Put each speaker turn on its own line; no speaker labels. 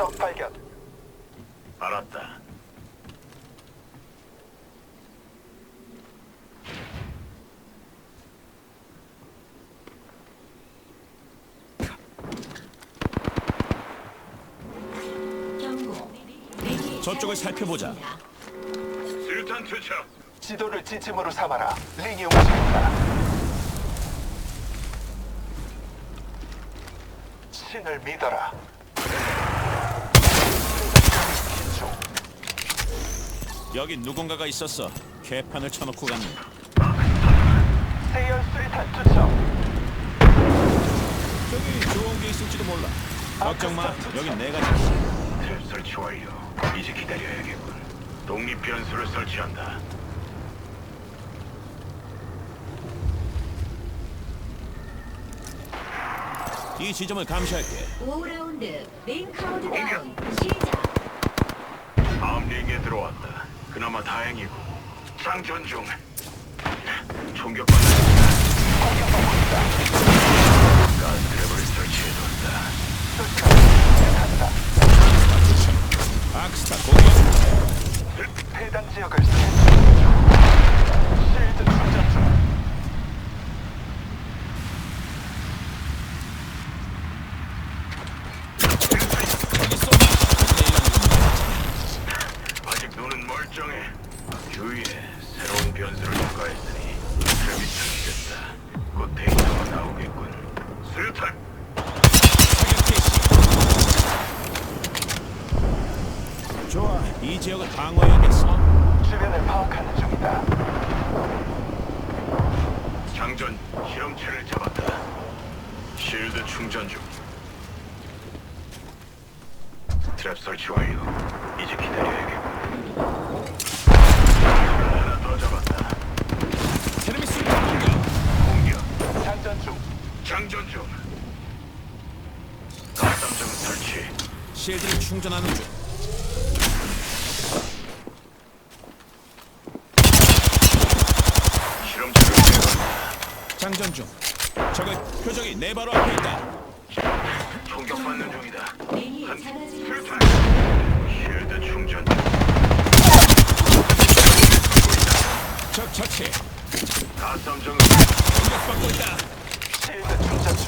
적 발견.
알았다.
저쪽을 살펴보자.
수류탄 투척.
지도를 지침으로 삼아라. 링이 움직인다. 신을 믿어라.
여기 누군가가 있었어. 개판을 쳐놓고 갔네.
세열 수리탄 투척.
저기 좋은 게 있을지도 몰라. 걱정 마. 여긴 내가 지키.
트랩 설치 완료. 이제 기다려야겠군. 독립 변수를 설치한다.
이 지점을 감시할게.
5라운드 링 카운트다운 시작.
다음 링에 들어왔다. 그나마 다행이고. 장전 중. 총격받는 중이다. 가스 트랩을 설치해뒀다.
악스타 공격.
해당 지역을 스캔 중. 실드 충전 중.
아직 눈은 멀쩡해. 주위에 새로운 변수를 추가했으니 트랩이 설치됐다. 곧 데이터가 나오겠군. 수류탄!
좋아. 이 지역을 방어해야겠어.
주변을 파악하는 중이다.
장전 실험체를 잡았다. 실드 충전 중. 트랩 설치 완료. 이제 기다려야겠군. 하나 더 잡았다.
테르미스 공격.
공격.
장전 중.
장전 중. 가삼정 설치.
실드를 충전하는 중.
실험체를 제거한다.
장전 중. 적의 표적이 내 바로 앞에 있다.
총격받는 중이다.
링이
한
사라지고
수류탄.
있습니다.
실드 충전 중.
적 처치.
가삼정
공격받고 있다.
실드 충전